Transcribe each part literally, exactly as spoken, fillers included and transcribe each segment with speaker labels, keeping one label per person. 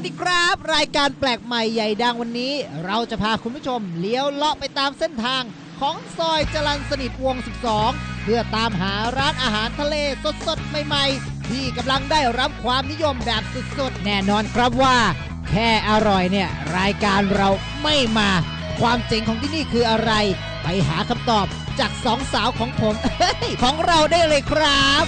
Speaker 1: ดีครับรายการแปลกใหม่ใหญ่ดังวันนี้เราจะพาคุณผู้ชมเลี้ยวเลาะไปตามเส้นทางของซอยจรัญสนิทวงศ์สิบสองเพื่อตามหาร้านอาหารทะเลสดๆใหม่ๆที่กำลังได้รับความนิยมแบบสุดๆแน่นอนครับว่าแค่อร่อยเนี่ยรายการเราไม่มาความเจ๋งของที่นี่คืออะไรไปหาคำตอบจากสองสาวของผม ของเราได้เลยครับ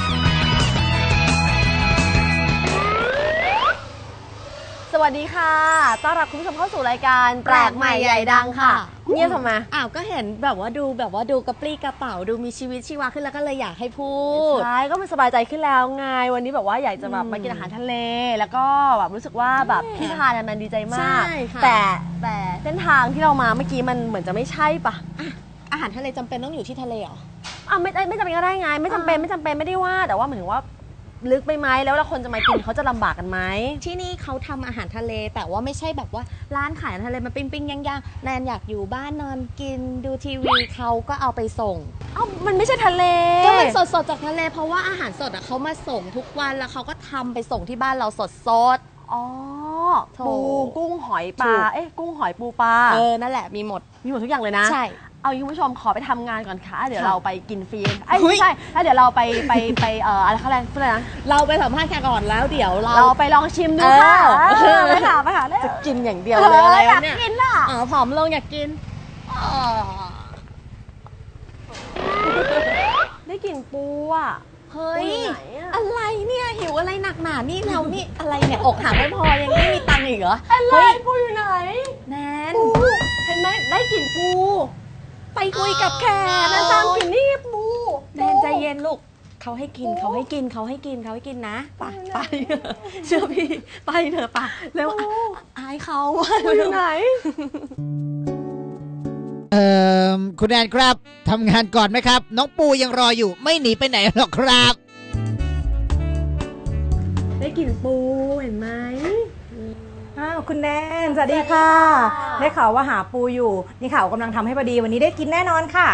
Speaker 2: สวัสดีค่ะต้อนรับคุณผู้ชมเข้าสู่รายการแปลกใหม่ใหญ่ดังค่ะเงียบทำไม
Speaker 3: อ้าวก็เห็นแบบว่าดูแบบว่าดูกระปรี้กระเป๋าดูมีชีวิตชีวาขึ้นแล้วก็เลยอยากให้พูด
Speaker 2: ใช่ก็มันสบายใจขึ้นแล้วไงวันนี้แบบว่าอยากจะแบบมากินอาหารทะเลแล้วก็แบบรู้สึกว่าแบบที่ทานมันดีใจมากแต่แต่เส้นทางที่เรามาเมื่อกี้มันเหมือนจะไม่ใช่ปะ
Speaker 3: อาหารทะเลจำเป็นต้องอยู่ที่ทะเลเหรอ
Speaker 2: อ่ะไม่ไม่จำเป็นก็ได้ไงไม่จำเป็นไม่จำเป็นไม่ได้ว่าแต่ว่าเหมือนว่าลึกไปไหมแล้วเราคนจะมากินเขาจะลำบากกันไหม
Speaker 3: ที่นี่เขาทำอาหารทะเลแต่ว่าไม่ใช่แบบว่าร้านขายอาหารทะเลมาปิ้งปิ้งย่างย่างแนนอยากอยู่บ้านนอนกินดูทีวีเขาก็เอาไปส่ง
Speaker 2: เอ้ามันไม่ใช่ทะเล
Speaker 3: ก็มันสดสดจากทะเลเพราะว่าอาหารสดอ่ะเขามาส่งทุกวันแล้วเขาก็ทำไปส่งที่บ้านเราสดสด
Speaker 2: อ๋อปูกุ้งหอยปลาเอ๊ะกุ้งหอยปูปลา
Speaker 3: เออนั่นแหละมีหมด
Speaker 2: มีหมดทุกอย่างเลยนะ
Speaker 3: ใช่
Speaker 2: เอาคุณผู้ชมขอไปทำงานก่อนค่ะเดี๋ยวเราไปกินฟรีไม่ใช่ถ้าเดี๋ยวเราไปไปไปเอ่ออะไรเขาเรียกอะไรนะ
Speaker 3: เราไปสัมภาษณ์แขกก่อนแล้วเดี๋ยวเรา
Speaker 2: เราไปลองชิมดูค่ะไปค่ะไปค่ะ
Speaker 3: จะกินอย่างเดียวเลยอะไร
Speaker 2: วะเนี่ยอยากกินอ่ะ
Speaker 3: อ๋อผอมลงอยากกิน
Speaker 2: ได้กลิ่นปูอ่ะ
Speaker 3: เฮ้ยอะไรเนี่ยหิวอะไรหนักหนานี่เรานี่อะไรเนี่ยอกหักไม่พอยังไม่มีตังค์อีกเหรอ
Speaker 2: อะไรปูอยู่ไหน
Speaker 3: แนน
Speaker 2: เห็นไหมได้กลิ่นปูไปคุยกับแขกนะตามกลิ่นนี่ปู
Speaker 3: แนนใจเย็นลูกเขาให้กินเขาให้กินเขาให้กินเขาให้กินนะไปไปเชื่อพี่ไปเถอะป่ะเร็วอายเขา
Speaker 2: ปูอยู่ไหน
Speaker 1: เอ่อคุณแอนครับทำงานก่อนไหมครับน้องปูยังรออยู่ไม่หนีไปไหนหรอกครับ
Speaker 2: ได้กลิ่นปูเห็นไหม
Speaker 4: อ้าวคุณแนนสวัสดีค่ะได้ข่าวว่าหาปูอยู่นี่ข่าวกำลังทำให้พอดีวันนี้ได้กินแน่นอนค่ะ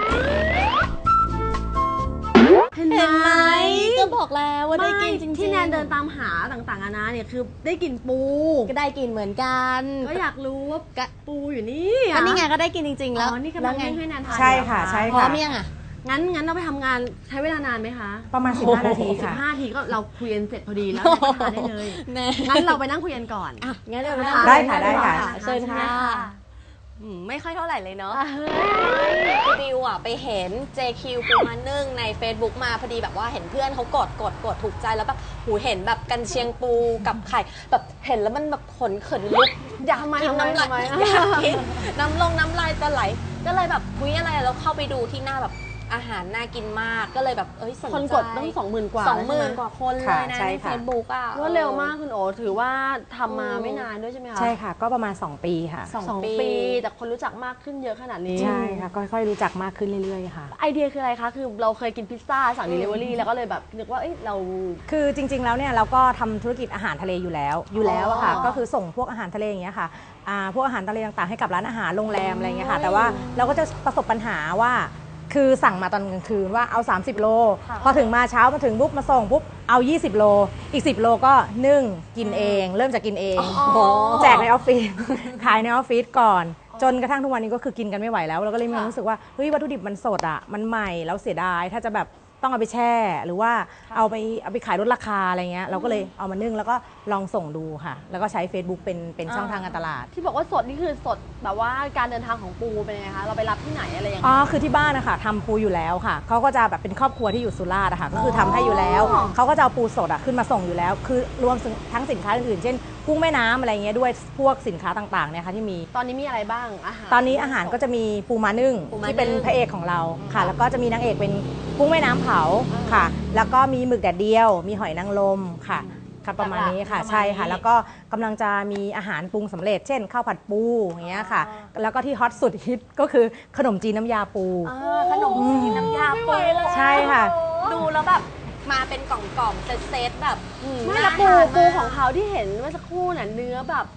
Speaker 2: เห็นไหม
Speaker 3: ก็บอกแล้วว่าได้กินจริงๆ
Speaker 2: ที่แนนเดินตามหาต่างๆนานาเนี่ยคือได้กินปู
Speaker 3: ก็ได้กินเหมือนกัน
Speaker 2: ก็อยากรู้ว่าปูอยู่นี่
Speaker 3: อันนี้ไงก็ได้กินจริงๆแล้ว
Speaker 2: อ๋อนี่กำลังให้แนนทาน
Speaker 4: ใช่ค่ะใช่ค่ะ
Speaker 3: พร้อมยังอ่ะ
Speaker 2: งั้นงั้นเราไปทำงานใช้เวลานานไหมคะ
Speaker 4: ประมาณสิบห้านาทีค่ะ
Speaker 2: สิบห้านาทีก็เราคุยกันเสร็จพอดีแล้วทานได้เลยงั้นเราไปนั่งคุยกันก่อน
Speaker 3: อ่ะงั้นเรา
Speaker 4: ได้ค่ะได้ค่ะ
Speaker 3: เชิญค่ะไม่ค่อยเท่าไหร่เลยเนาะคือดิวอ่ะไปเห็น เจ คิว ปูมานึ่งใน Facebook มาพอดีแบบว่าเห็นเพื่อนเขากดกดกดถูกใจแล้วแบบหูเห็นแบบกันเชียงปูกับไข่แบบเห็นแล้วมันแบบขนเขินลุกอยากกินน้ำลายอยากกินน้ำลงน้ำลายจะไหลก็เลยแบบคุยอะไรแล้วเข้าไปดูที่หน้าแบบอาหารน่ากินมากก็เลยแบบเอ้ยสนใจ
Speaker 2: คนกดต้องสองหมื่นกว่า
Speaker 3: สองหมื่นกว่าคนเลยนะในเฟซบุ๊กอ่ะ
Speaker 2: ว่าเร็วมากคุณโอถือว่าทำมาไม่นานด้วยใช่ไหมคะ
Speaker 4: ใช่ค่ะก็ประมาณสองปีค่ะ
Speaker 2: สองปีแต่คนรู้จักมากขึ้นเยอะขนาดนี้
Speaker 4: ใช่ค่ะค่อยๆรู้จักมากขึ้นเรื่อยๆค่ะ
Speaker 2: ไอเดียคืออะไรคะคือเราเคยกินพิซซ่าสั่ง delivery แล้วก็เลยแบบนึกว่าเอ้ยเรา
Speaker 4: คือจริงๆแล้วเนี่ยเราก็ทำธุรกิจอาหารทะเลอยู่แล้วอยู่แล้วอะค่ะก็คือส่งพวกอาหารทะเลอย่างเงี้ยค่ะพวกอาหารทะเลต่างๆให้กับร้านอาหารโรงแรมอะไรเงี้ยค่ะแต่ว่าเราก็จะประสบปัญหาว่าคือสั่งมาตอนกลางคืนว่าเอาสามสิบโลพอถึงมาเช้ามาถึงปุ๊บมาส่งปุ๊บเอายี่สิบโลอีกสิบโลก็นึ่งกินเองเริ่มจากกินเองแจกในออฟฟิศขายในออฟฟิศก่อนจนกระทั่งทุกวันนี้ก็คือกินกันไม่ไหวแล้วเราก็เลยมีความรู้สึกว่าเฮ้ยวัตถุดิบมันสดอ่ะมันใหม่แล้วเสียดายถ้าจะแบบต้องเอาไปแช่หรือว่าเอาไปเอาไปขายลดราคาอะไรเงี้ยเราก็เลยเอามานึ่งแล้วก็ลองส่งดูค่ะแล้วก็ใช้ Facebook เป็นเป็นช่องทางการตลาด
Speaker 2: ที่บอกว่าสดนี่คือสดแบบว่าการเดินทางของปูเป็นยังไงคะเราไปรับที่ไหนอะไรอย่างเงี้ย
Speaker 4: อ๋อคือที่บ้านนะคะทำปูอยู่แล้วค่ะเขาก็จะแบบเป็นครอบครัวที่อยู่สุราษฎร์ค่ะก็คือทำให้อยู่แล้วเขาก็จะเอาปูสดอ่ะขึ้นมาส่งอยู่แล้วคือรวมทั้งสินค้าอื่นๆเช่นกุ้งแม่น้ำอะไรเงี้ยด้วยพวกสินค้าต่างๆเนี่ยค่ะที่มี
Speaker 2: ตอนนี้มีอะไรบ้างอาหาร
Speaker 4: ตอนนี้อาหารก็จะมีปูม้านึ่งที่เป็นพระเอกของเราค่ะแล้วก็จะมีนางเอกเป็นกุ้งแม่น้ำเผาค่ะแล้วก็มีหมึกแดดเดียวมีหอยนางรมค่ะค่ะประมาณนี้ค่ะใช่ค่ะแล้วก็กำลังจะมีอาหารปรุงสำเร็จเช่นข้าวผัดปูอย่างเงี้ยค่ะแล้วก็ที่ฮอตสุดฮิตก็คือขนมจีนน้ำยาปู
Speaker 3: ขนมจีนน้ำยาปู
Speaker 4: ใช่ค่ะ
Speaker 3: ดูแล้วแบบมาเป็นกล่องๆเซตๆแบบ
Speaker 2: ไม่ละปูปูของเขาที่เห็นเมื่อสักครู่น่ะเนื้อแบบ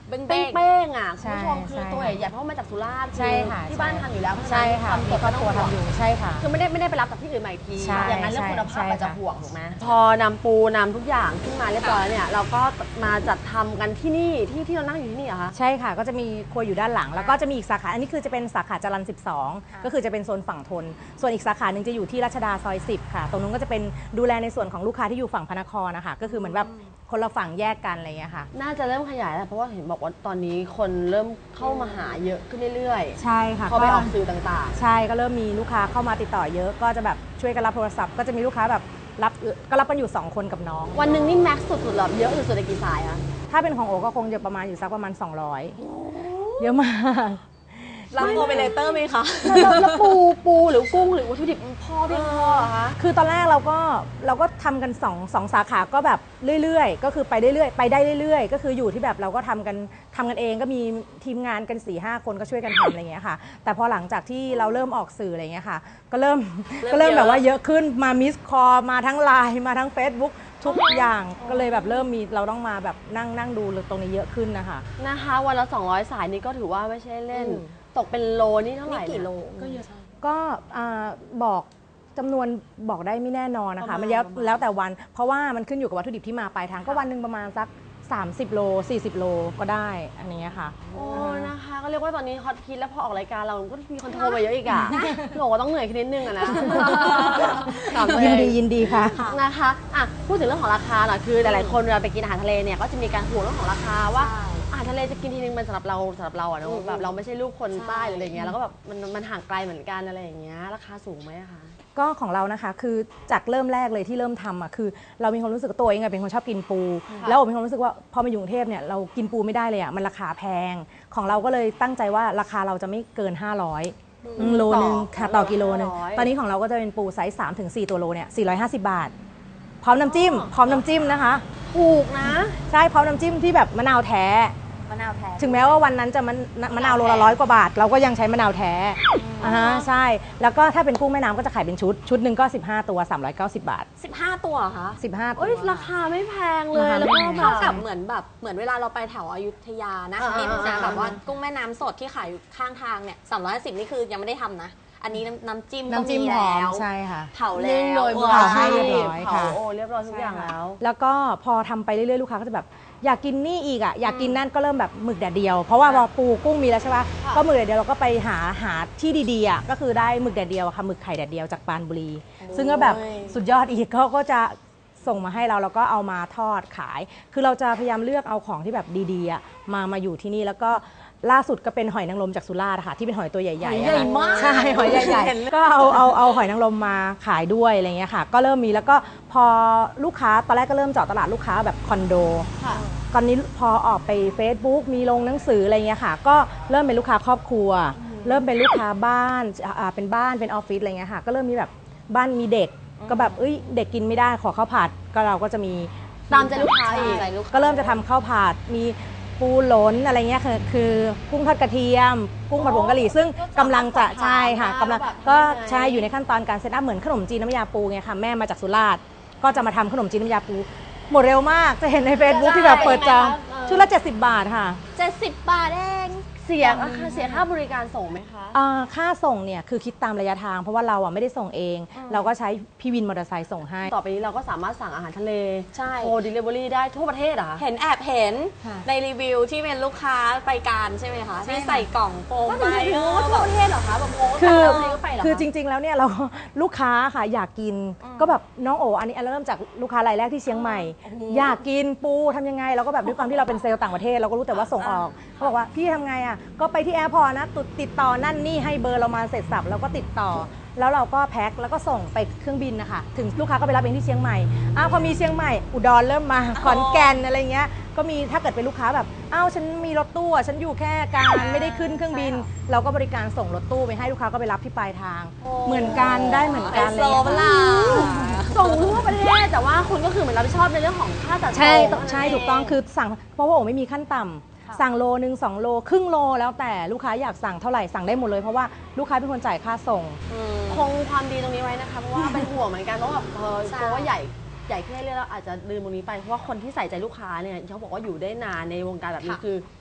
Speaker 3: เบ้ง
Speaker 2: เป้ง
Speaker 3: ๆ
Speaker 2: เป้งอ่ะคุณ
Speaker 4: ใช่
Speaker 2: ผู้ชมคือ
Speaker 4: ใช่
Speaker 2: ตัวใหญ่ๆเพราะว่ามาจากสุราษฎร์
Speaker 4: ใช่ค่ะ
Speaker 2: ที่บ้านทำอยู่แล้วเพราะฉะ
Speaker 4: ใช่
Speaker 2: นั้น
Speaker 4: ค่ะ
Speaker 2: ความ
Speaker 4: มี
Speaker 2: สด
Speaker 4: ครอบครัว
Speaker 2: ไม่ต้ง
Speaker 4: ทำ
Speaker 2: ห่
Speaker 4: อ
Speaker 2: วง
Speaker 4: ยู่ใช่ค่ะ
Speaker 2: คือไม่ได้ไม่ได้ไปรับจากที่อื่นมาอีกที
Speaker 4: ใช่
Speaker 2: อย่างนั้นเรื่องคุณภาพ
Speaker 4: ใช่
Speaker 2: มันจะ
Speaker 4: ค่ะ
Speaker 2: ห่วงถูกไหมพอนำปูนำทุกอย่างขึ้นมาเรียบร้อยแล้วเนี่ยเราก็มาจัดทำกันที่นี่ที่ที่เรานั่งอยู่ที่นี่เหรอคะ
Speaker 4: ใช่ค่ะก็จะมีครัวอยู่ด้านหลัง แล้วก็จะมีอีกสาขาอันนี้คือจะเป็นสาขาจรัญสิบสองก็คือจะเป็นโซนฝั่งทนส่วนอีกสาขาหนึ่งจะอยู่ที่รัชดาซอยสิบค่ะตรงนู้นก็จะเป็นดูแลในส่วนของลูกค้าที่อยู่ฝั่งพระนครนะคะก็คือเหมือนแบบคนละฝั่งแยกกันอะไรอย่างเงี้ยค่ะ
Speaker 2: น่าจะเริ่มขยายแล้วเพราะว่าเห็นบอกว่าตอนนี้คนเริ่มเข้ามาหาเยอะขึ้นเรื่อย
Speaker 4: ใช่ค่ะ
Speaker 2: ๆพอไปออกสื่อต่าง
Speaker 4: ใช่ก็เริ่มมีลูกค้าเข้ามาติดต่อเยอะก็จะแบบช่วยกันรับโทรศัพท์ก็จะมีลูกค้าแบบรับก็รับกันอยู่สองคนกับน้อง
Speaker 2: ๆวันหนึ่งนี่แม็กซ์สุดๆหรอเยอะสุดๆในกี่สายคะ
Speaker 4: ถ้าเป็นของโอก็คงจะประมาณอยู่สักประมาณสองร้อยเยอะมาก
Speaker 3: รับโมเปเลเตอร์ไหมคะ
Speaker 2: แล้วแล้วปูปูหรือกุ้งหรือวัตถุดิบพอเพียงพอเหรอคะ
Speaker 4: คือตอนแรกเราก็เราก็ทำกันสองสองสาขาก็แบบเรื่อยๆ ก็คือไปเรื่อยๆไปได้เรื่อยๆ ก็คืออยู่ที่แบบเราก็ทำกันทำกันเองก็มีทีมงานกัน4ี่ห้าคนก็ช่วยกันทำอะไรอย่างเงี้ยค่ะแต่พอหลังจากที่เราเริ่มออกสื่ออะไรอย่างเงี้ยค่ะก็เริ่ม
Speaker 3: เริ่ม
Speaker 4: ก็เริ่ม
Speaker 3: เยอะ
Speaker 4: แบบว่าเยอะขึ้นมามิสคอมาทั้งไลน์มาทั้ง Facebook ทุกอย่างก็เลยแบบเริ่มมีเราต้องมาแบบนั่งนั่งดูตรงนี้เยอะขึ้นนะคะ
Speaker 2: นะคะวันละสองร้อยสายนี่ก็ถือว่าไม่ใช่เล่น
Speaker 3: อืม
Speaker 2: ตกเป็นโลนี่เท่าไหร่
Speaker 3: นี่กี่โล
Speaker 2: ก็เยอะ
Speaker 4: ก็อ่าบอกจำนวนบอกได้ไม่แน่นอนนะคะ
Speaker 2: ประมาณ
Speaker 4: มันแล้ว
Speaker 2: ประมาณ
Speaker 4: แล้วแต่วัน เพราะว่ามันขึ้นอยู่กับวัตถุดิบที่มาปลายทางก็วันหนึ่งประมาณสักสามสิบโลสี่สิบโลก็ได้อันนี้ค่ะ
Speaker 2: โอ้นะคะก็เรียกว่าตอนนี้ฮอตฮิตแล้วพอออกรายการเราก็มีคนโทรมาเยอะอีกอ่ะหนูก็ต้องเหนื่อยขึ้นนิดนึงอะนะถามตัวเอง
Speaker 4: ยินดียินดีค่ะ
Speaker 2: นะคะอ่ะพูดถึงเรื่องของราคาหน่อยคือหลายๆคนเวลาไปกินอาหารทะเลเนี่ยก็จะมีการห่วงเรื่องของราคาว่า
Speaker 3: ใช่
Speaker 2: อาหารทะเลจะกินทีนึงมันสำหรับเราสำหรับเราอะเน
Speaker 3: อื
Speaker 2: อะ
Speaker 3: ม
Speaker 2: แบบเราไม่ใช่ลูกคน
Speaker 3: ใช่
Speaker 2: ใต้หรืออะไรเงี้ยแล้วก็แบบมันมันห่างไกลเหมือนกันอะไรอย่างเงี้ยราคาสูงไหมอะคะ
Speaker 4: ก็ของเรานะคะคือจากเริ่มแรกเลยที่เริ่มทำอ่ะคือเรามีความรู้สึกว่าตัวเองอะเป็นคนชอบกินปู แล้วผมมีความรู้สึกว่าพอมาอยู่กรุงเทพเนี่ยเรากินปูไม่ได้เลยอ่ะมันราคาแพงของเราก็เลยตั้งใจว่าราคาเราจะไม่เกินห้าร้อยอืมโลนึงค่ะต่อกิโลนึง
Speaker 2: ห้าร้อย
Speaker 4: ตอนนี้ของเราก็จะเป็นปูไซส์สามถึงสี่ตัวโลเนี่ยสี่ร้อยห้าสิบบาท พร้อมน้ำจิ้มพร้อมน้ำจิ้มนะคะ
Speaker 2: ถูกนะ
Speaker 4: ใช่พร้อมน้ำจิ้มที่แบบมะนาวแท้
Speaker 3: มะนาวแท้
Speaker 4: ถึงแม้ว่าวันนั้นจะมะมะนาวโลละร้อยกว่าบาท เราก็ยังใช้มะนาวแท้อ่าฮะใช่ แล้วก็ถ้าเป็นกุ้งแม่น้ำก็จะขายเป็นชุด ชุดหนึ่งก็สิบห้าตัวสามร้อยเก้าสิบบาท
Speaker 3: สิบห้าตัวเหรอคะ
Speaker 4: สิบห้าตัว
Speaker 2: เอ้ยราคาไม่แพงเลย
Speaker 4: ราคา
Speaker 2: แล้ว
Speaker 4: ไม่
Speaker 2: ก็
Speaker 4: แพง
Speaker 2: แบ
Speaker 3: เท่า
Speaker 2: บ
Speaker 3: กับเหมือนแบบเหมือนเวลาเราไปแถวอยุธยานะ
Speaker 2: อ่า
Speaker 3: ที่
Speaker 2: อ่า
Speaker 3: จะแบบว่า
Speaker 2: อ่า
Speaker 3: กุ้งแม่น้ำสดที่ขายอยู่ข้างทางเนี่ยสามร้อยสิบนี่คือยังไม่ได้ทำนะ อันนี้น้ำน้ำจิ้มก็
Speaker 4: น้ำจิ้ม
Speaker 3: มี
Speaker 4: หอ
Speaker 3: แล้
Speaker 4: ม
Speaker 3: ว
Speaker 4: ใช่ค่ะ
Speaker 3: เผาแล้
Speaker 2: นึ่ง
Speaker 3: ว
Speaker 2: โดย
Speaker 3: เอ
Speaker 2: มือ
Speaker 3: อ
Speaker 4: เผา
Speaker 2: อา
Speaker 4: ให้
Speaker 2: ชีพ
Speaker 4: เรียบร้อย
Speaker 2: เผา
Speaker 4: ค่ะ
Speaker 2: โอ้เรียบร้อยทุกอย่างแล้ว
Speaker 4: แล้วก็พอทำไปเรื่อยๆลูกค้าก็จะแบบอยากกินนี่อีกอ่ะอยากกินนั่นก็เริ่มแบบหมึกแดดเดียว เพราะว่าพอปูกุ้งมีแล้วใช่ปะ
Speaker 2: ค่ะ
Speaker 4: ก็หมึกแดดเดียวเราก็ไปหาหาที่ดีๆอ่ะก็คือได้หมึกแดดเดียวอะค่ะหมึกไข่แดดเดียวจากปรานบุรี ซึ่งก็แบบสุดยอดอีกเขาก็จะส่งมาให้เราแล้วก็เอามาทอดขาย คือเราจะพยายามเลือกเอาของที่แบบดีๆอ่ะมามาอยู่ที่นี่แล้วก็ล่าสุดก็เป็นหอยนางรมจากสุราษฎร์ค่ะที่เป็นหอยตัวใหญ่ๆ
Speaker 2: หอย
Speaker 4: อะ
Speaker 2: ใหญ่
Speaker 4: ค่ะ
Speaker 2: มาก
Speaker 4: ใช่หอยใหญ่ๆก็เอาเอาเอาหอยนางรมมาขายด้วยอะไรเงี้ยค่ะ ก็เริ่มมีแล้วก็พอลูกค้าตอนแรกก็เริ่มเจาะตลาดลูกค้าแบบคอนโด
Speaker 2: ค่ะ
Speaker 4: ตอนนี้พอออกไป Facebook มีลงหนังสืออะไรเงี้ยค่ะ ก็เริ่มเป็นลูกค้าครอบครัว เริ่มเป็นลูกค้าบ้านอ่าเป็นบ้านเป็นออฟฟิศอะไรเงี้ยค่ะ ก็เริ่มมีแบบบ้านมีเด็ก ก็แบบเอ้ยเด็กกินไม่ได้ขอข้าวผัดก็เราก็จะมี
Speaker 2: ตามใจลูกค้าอีก
Speaker 3: ใช่ลูกค้า
Speaker 4: ก็เริ่มจะทำข้าวผัดมีปูหลนอะไรเงี้ยคือคือกุ้งทอดกระเทียม กุ้งผัดผงกะหรี่ซึ่งกำลังจะใช่ค่ะกำลังก็ใช่อยู่ในขั้นตอนการเซตอัพเหมือนขนมจีนน้ำยาปูไงค่ะแม่มาจากสุราษฎร์ก็จะมาทำขนมจีนน้ำยาปูหมดเร็วมากจะเห็นใน Facebook ที่แบบเปิดจองชุดละเจ็ดสิบบาทค่ะ
Speaker 3: เจ็ดสิบบาทเอง
Speaker 2: เสียค่าเสียค่าบริการส่งไหมคะ
Speaker 4: อ่าค่าส่งเนี่ยคือคิดตามระยะทาง เพราะว่าเราอ่ะไม่ได้ส่งเอง เราก็ใช้พี่วินมอเตอร์ไซค์ส่งให้
Speaker 2: ต่อไปนี้เราก็สามารถสั่งอาหารทะเล
Speaker 3: ใช่
Speaker 2: โทร delivery ได้ทั่วประเทศเหรอคะ
Speaker 3: เห็นแอบเห็น
Speaker 4: ค่ะ
Speaker 3: ในรีวิวที่เป็นลูกค้าไปการใช่ไหมคะ
Speaker 4: ใช่
Speaker 3: ที่
Speaker 4: ค่ะ
Speaker 3: ใส่กล่องโฟม
Speaker 2: ก็
Speaker 3: ไป
Speaker 2: ถึงถึง
Speaker 3: เอ
Speaker 2: ว่า
Speaker 3: อ
Speaker 2: ทั่
Speaker 3: แบ
Speaker 2: ว
Speaker 3: บ
Speaker 2: ประเทศเหรอคะแบบโอ้
Speaker 4: คือ
Speaker 2: ต่างประเทศก็ไปเหรอคะ
Speaker 4: คือจริง ๆ แล้วเนี่ยเรา ลูกค้าค่ะอยากกินก็แบบน้องโออันนี้อันเริ่มจากลูกค้ารายแรกที่เชียงใหม่ อยากกินปูทำยังไงเราก็แบบด้วยความที่เราเป็นเซลล์ต่างประเทศเราก็รู้แต่ว่าส่งออกเขาบอกว่าพี่ทำไงอ่ะก็ไปที่แอร์พอร์ตนะติดติดต่อนั่นนี่ให้เบอร์เรามาเสร็จสับแล้วก็ติดต่อ แล้วเราก็แพ็คแล้วก็ส่งไปเครื่องบินนะคะถึงลูกค้าก็ไปรับเองที่เชียงใหม่อ้าวพอมีเชียงใหม่อุดรเริ่มมาขอนแก่นอะไรเงี้ยก็มีถ้าเกิดเป็นลูกค้าแบบอ้าวฉันมีรถตู้อ่ะฉันอยู่แค่การไม่ได้ขึ้นเครื่องบิน เราก็บริการส่งรถตู้ไปให้ลูกค้าก็ไปรับที่ปลายทาง เหมือนกันได้เหมือน
Speaker 3: ไฮ
Speaker 4: กัน
Speaker 3: โซ
Speaker 4: เลย
Speaker 3: เปล่า
Speaker 2: ส่งทั่วประเทศแต่ว่าคุณก็คือเหมือนรับผิดชอบในเรื่องของค่าจัดส่ง
Speaker 4: ใช่ต้อง
Speaker 2: นั่น
Speaker 4: ใช่
Speaker 2: เ
Speaker 4: ถูกต้องคือสั่งเพราะว่าโอไม่มีขั้นต่ำสั่งโลนึงสองโลครึ่งโลแล้วแต่ลูกค้าอยากสั่งเท่าไหร่สั่งได้หมดเลยเพราะว่าลูกค้าเป็นคนจ่ายค่าส่ง
Speaker 2: คงความดีตรงนี้ไว้นะคะเพราะว่าเป็นห่วงเหมือนกันเพราะแบบเออ
Speaker 3: ใช่
Speaker 2: เพราะว่าใหญ่ใหญ่ขึ้นเรื่อยๆแล้วอาจจะลืมตรงนี้ไปเพราะว่าคนที่ใส่ใจลูกค้าเนี่ยเขาบอกว่าอยู่ได้นานในวงการแบบนี้คือ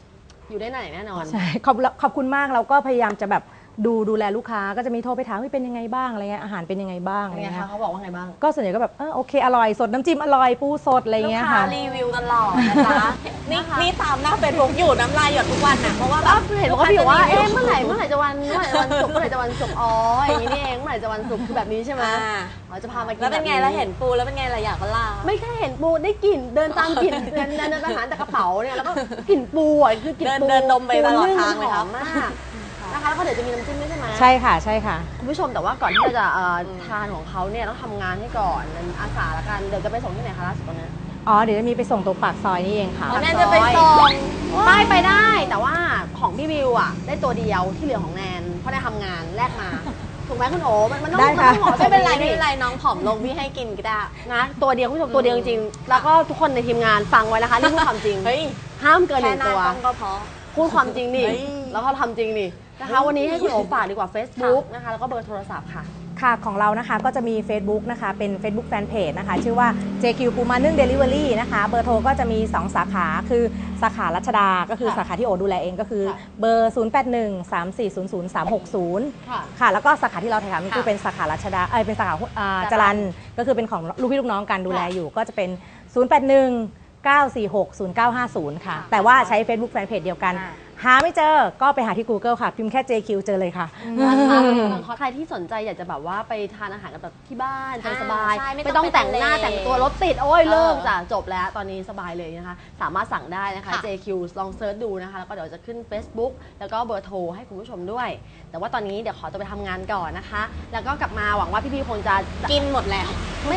Speaker 2: อยู่ได้นานแน่นอน
Speaker 4: ใช่ขอบขอบคุณมากเราก็พยายามจะแบบดูดูแลลูกค้าก็จะมีโทรไปถามว่าเป็นยังไงบ้างอะไรเงี้ยอาหารเป็นยังไงบ้างอะไร
Speaker 2: เป็นไง
Speaker 4: เงี้
Speaker 2: คะ
Speaker 4: ย
Speaker 2: เขาบอกว่าไงบ้าง
Speaker 4: ก็ส่วนใหญ่ก็แบบเออโอเคอร่อยสดน้ำจิ้มอร่อยปูสดอะไร
Speaker 3: ลูก
Speaker 4: เงี้ย
Speaker 3: ค้า
Speaker 4: ค่ะ
Speaker 3: รีวิวตลอดนะจ๊ะนี่นี่ตามหน้าเฟซบุ๊กอยู่น้ำลายหยดทุกวันนะเพราะว่าแบ
Speaker 2: ก็
Speaker 3: บ
Speaker 2: เห็นบอกว่าพี่บอกว่าเอ๊ะเมื่อไหร่เมื่อไหร่จะวันเมื่อไหร่จะวันศุกร์เมื่อไหร่จะวันศุกร์อ๋ออย่างนี้นี่เองเมื่อไหร่จะวันศุกร์คือแบบนี้ใช่ไหม
Speaker 3: อ่า
Speaker 2: อ๋อจะพามากิน
Speaker 3: แล้วเป็นไง
Speaker 2: บบ
Speaker 3: แล้วเห็นปูแล้วเป็นไงล่ะอยากก็ล่า
Speaker 2: ไม่แค่เห็นปูได้กลิ่นเดินตามกลิ่นเดินเดินเดินไปหาแต่กระเป๋าเนี่ยแล้วก็กลิ่นปูอ่ะคือกลิ่นปู
Speaker 3: เดินเดินดมไปตลอดทางเลย
Speaker 2: ห
Speaker 3: ครั
Speaker 2: อบ มมากนะคะแล้วก็เดี๋ยวจะมีน้ำจิ้มด้วยใช่ไหม
Speaker 4: ใช่ค่ะใช่ค่ะ
Speaker 2: คุณผู้ชมแต่ว่าก่อนที่เราจะเอ่อทานของเขาเนี่ยต้องทำงานให้ก่อนอาสาละกันเดี๋ยวจะไปส่งที่ไหนคะล่าสุดตอนนี้
Speaker 4: อ๋อเดี๋ยวจะมีไปส่งตรงปากซอยนี่เองค่ะ
Speaker 3: แนนจะไปส่ง
Speaker 2: ไปไปได้แต่ว่าของพี่วิวอ่ะได้ตัวเดียวที่เหลือของแนนเพราะได้ทำงานแลกมาถูกไหมคุณโอ๋มันมันต้อง
Speaker 4: ได้
Speaker 2: มัน
Speaker 4: ค่ะ
Speaker 2: ต้องหอ
Speaker 3: ไม่เป็นไร
Speaker 2: ดิ
Speaker 3: ไม่เป็นไรน้องผอมลงพี่ให้กินก็ได้
Speaker 2: นะตัวเดียวคุณผู้ชมตัวเดียวจริงๆแล้วก็ทุกคนในทีมงานฟังไว้นะคะนี่พูดความจริง
Speaker 3: เฮ้ย
Speaker 2: ห้ามเกินห
Speaker 3: แค่
Speaker 2: นึ่ง
Speaker 3: หน้า
Speaker 2: ตัว
Speaker 3: กล้องก็พอ
Speaker 2: พูดความจริงนี่
Speaker 3: เฮ้ย
Speaker 2: แล้วก็ทำจริงนี่นะคะวันนี้ให้คุณโอ๋ฝากดีกว่า Facebook นะคะแล้วก็เบอร์โทรศัพท์ค่ะ
Speaker 4: ค่ะของเรานะคะก็จะมี Facebook นะคะเป็น Facebook Fanpage นะคะชื่อว่า เจ คิว ปูมานึ่ง Delivery นะคะเบอร์โทรก็จะมีสองสาขาคือสาขารัชดาก็คือ
Speaker 2: ค่ะ
Speaker 4: สาขาที่โอดูแลเองก็คือ
Speaker 2: ค่ะ
Speaker 4: เบอร์ ศูนย์ แปด หนึ่ง สาม สี่ ศูนย์ ศูนย์ สาม หก ศูนย์
Speaker 2: ค่ะ
Speaker 4: ค่ะแล้วก็สาขาที่เราถ่ายทำนี่คือเป็นสาขารัชดาเอ้ยเป็นสาขาอ่าจรัญก็คือเป็นของลูกพี่ลูกน้องกันดูแลอยู่ก็จะเป็น ศูนย์ แปด หนึ่ง เก้า สี่ หก ศูนย์ เก้า ห้า ศูนย์ ค่ะ แต่ว่าใช้ Facebook Fanpage เดียวกัน
Speaker 2: อ่า
Speaker 4: หาไม่เจอก็ไปหาที่ Google ค่ะพิมพ์แค่ เจ คิว เจอเลยค่ะ
Speaker 2: นะคะใครที่สนใจอยากจะแบบว่าไปทานอาหารกันแบบที่บ้านสบายๆ
Speaker 3: ใช่ไม่
Speaker 2: ไม่
Speaker 3: ต้
Speaker 2: ต้
Speaker 3: อ
Speaker 2: อง ง
Speaker 3: ไป
Speaker 2: แต่งหน้า
Speaker 3: ทะเล
Speaker 2: แต่งตัวรถติดโอ้ย
Speaker 3: เออ
Speaker 2: เลิกจ้ะจบแล้วตอนนี้สบายเลยนะคะสามารถสั่งได้นะคะ
Speaker 3: ค่ะ
Speaker 2: เจ คิว ลองเซิร์ชดูนะคะแล้วก็เดี๋ยวจะขึ้น Facebook แล้วก็เบอร์โทรให้คุณผู้ชมด้วย แต่ว่าตอนนี้เดี๋ยวขอตัวไปทำงานก่อนนะคะ แล้วก็กลับมาหวังว่าพี่ๆคงจะ
Speaker 3: กินหมดแล้ว
Speaker 2: ไม่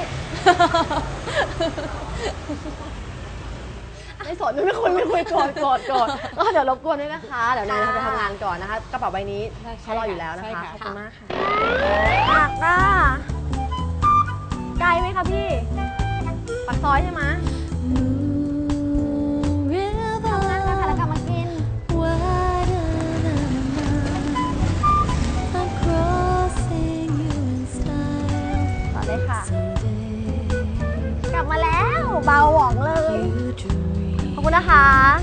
Speaker 2: ไม่สนไม่คุยไม่คุยกดกดกดก็เดี๋ยวรบกวนด้วยนะคะ เดี๋ยวนายไปทำงานก่อนนะคะกระเป๋าใบนี้เขารออยู่แล้วนะคะ ขอบคุณมากค่ะหักอ่ะไกลไหมคะพี่ปากซอยใช่ไหมทำงานกันค่ะแล้วกลับมากินต่อเลยค่ะ กลับมาแล้วเบาหวองเลย ขอบคุณนะคะ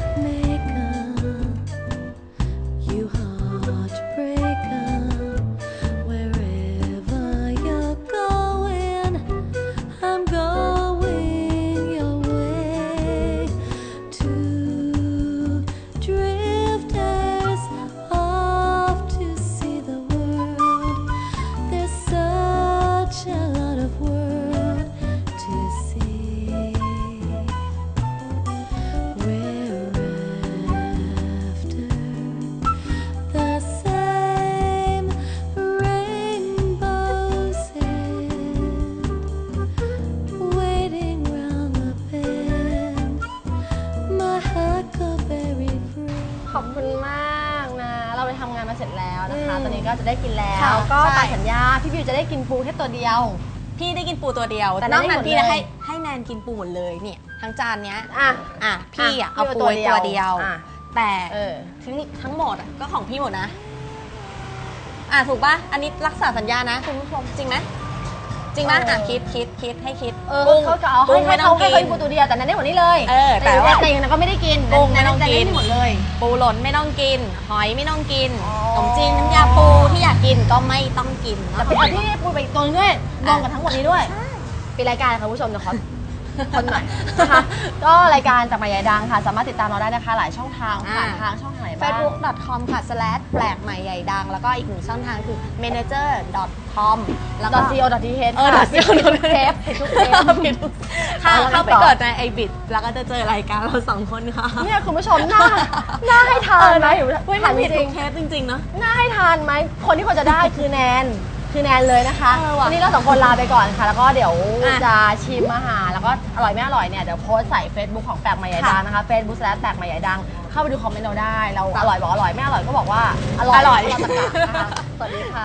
Speaker 2: ขอบคุณมากนะ เราไปทำงานมาเสร็จแล้วนะคะ ตอนนี้ก็จะได้กินแล้ว
Speaker 3: ค่ะ
Speaker 2: ก็
Speaker 3: ใช่
Speaker 2: ตามสัญญา พี่บิวจะได้กินปูแค่ตัวเดียว
Speaker 3: พี่ได้กินปูตัวเดียว
Speaker 2: แต่
Speaker 3: นอก
Speaker 2: ได้
Speaker 3: นั้น
Speaker 2: หมด
Speaker 3: พี่
Speaker 2: เลย
Speaker 3: ให้ให้แนนกินปูหมดเลยเนี่ยทั้งจานเนี้ย
Speaker 2: อ่ะ
Speaker 3: อ่ะพี่อ่ะเอา
Speaker 2: พี่
Speaker 3: ปูไว้ตัวเดียว
Speaker 2: อ่ะ
Speaker 3: แต่
Speaker 2: เออ
Speaker 3: ทั้งทั้งหมดอ่ะก็ของพี่หมดนะ อ่ะถูกป่ะอันนี้รักษาสัญญานะคุณผู้ชมจริงไหมจริงไหมอ่ะคิดคิดคิดให้คิด
Speaker 2: เออ
Speaker 3: กุ้ง
Speaker 2: เขาจะเอาให้
Speaker 3: กุ้ง
Speaker 2: ให้
Speaker 3: ไม่ต้
Speaker 2: เขา
Speaker 3: อง
Speaker 2: ให้
Speaker 3: กิ
Speaker 2: เขา
Speaker 3: น
Speaker 2: กินปูตัวเดียวแต่นั้นได้หมดนี้เลย
Speaker 3: เออแต่ว่า
Speaker 2: แต่ยังนั้นก็ไม่ได้กิน
Speaker 3: กุ้งไม่ต้อง
Speaker 2: แต่
Speaker 3: กิน
Speaker 2: ได้หมดเลย
Speaker 3: ปูหล่นไม่ต้องกิน หอยไม่ต้องกิน
Speaker 2: อ๋อ
Speaker 3: ขนมจีนน้ำยาปูที่อยากกินก็ไม่ต้องกิน
Speaker 2: แต่เป็นที่ปูไปอีกตัวนึงด้วยรวมกันทั้งหมดนี้ด้วยเป็นรายการค่ะคุณผู้ชมเดี๋ยวขอคนหน่อยนะคะก็รายการจากหมายใหญ่ดังค่ะ สามารถติดตามเราได้นะคะหลายช่องทางผ่านทางช่องทางไหนบ้าง
Speaker 3: เฟซบุ๊ก ดอท คอม ค่ะ สแลช แปลกใหม่ใหญ่ดัง แล้วก็อีกหนึ่งช่องทางคือ เมเนเจอร์ ดอท คอม แล้วก็
Speaker 2: .co .th
Speaker 3: เออ
Speaker 2: ค่ะ
Speaker 3: .co
Speaker 2: ผิดทุกเทปผิดทุกเทป
Speaker 3: ผิดทุกค่ะ
Speaker 2: เอาแล้ว
Speaker 3: เข้าไป
Speaker 2: ต่อ
Speaker 3: เกิดในไอบิดแล้วก็จะเจอรายการเราสองคนค่ะ
Speaker 2: เนี่ยคุณผู้ชมหน้าหน้าให้ทานไหม
Speaker 3: เฮ้ย
Speaker 2: ถา
Speaker 3: มั
Speaker 2: ม
Speaker 3: น
Speaker 2: จ
Speaker 3: ผิด
Speaker 2: ริ
Speaker 3: ทุ
Speaker 2: ง
Speaker 3: กเทปจริงๆเนาะ
Speaker 2: ๆหน้าให้ทานไหมคนที่ควรจะได้คือแนนคือแนนเลยนะคะ
Speaker 3: เออว่ะ
Speaker 2: วันนี้เราสองคนลาไปก่อนค่ะ แล้วก็เดี๋ยว
Speaker 3: อ่ะ
Speaker 2: จะชิมอาหารแล้วก็อร่อยไม่อร่อยเนี่ยเดี๋ยวโพสต์ใส่ Facebook ของแปลกใหม่ใหญ่ดังนะคะ Facebook แปลกใหม่ใหญ่ดังเข้าไปดูคอมเมนต์เราได้เราอร่อยบอกอร่อยไม่อร่อยก็บอกว่าอร่อย
Speaker 3: อร่อย
Speaker 2: เราประกาศนะคะสวัสดีค่ะ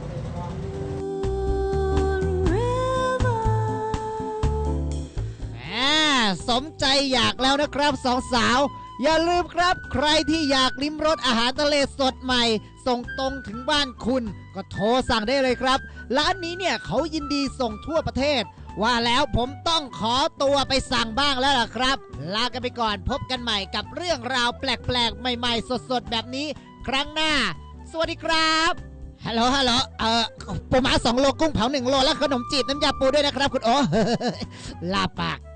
Speaker 1: แหมสมใจอยากแล้วนะครับสองสาว อย่าลืมครับใครที่อยากลิ้มรสอาหารทะเลสดใหม่ ส่งตรงถึงบ้านคุณ ก็โทรสั่งได้เลยครับ ร้านนี้เนี่ยเขายินดีส่งทั่วประเทศว่าแล้วผมต้องขอตัวไปสั่งบ้างแล้วล่ะครับลากันไปก่อนพบกันใหม่กับเรื่องราวแปลกๆใหม่ๆสดๆแบบนี้ครั้งหน้าสวัสดีครับฮัลโหลฮัลโหลเอ่อปูม้าสองโลกุ้งเผาหนึ่งโลแล้วขนมจีบน้ำยาปูด้วยนะครับคุณโอ ลาปาก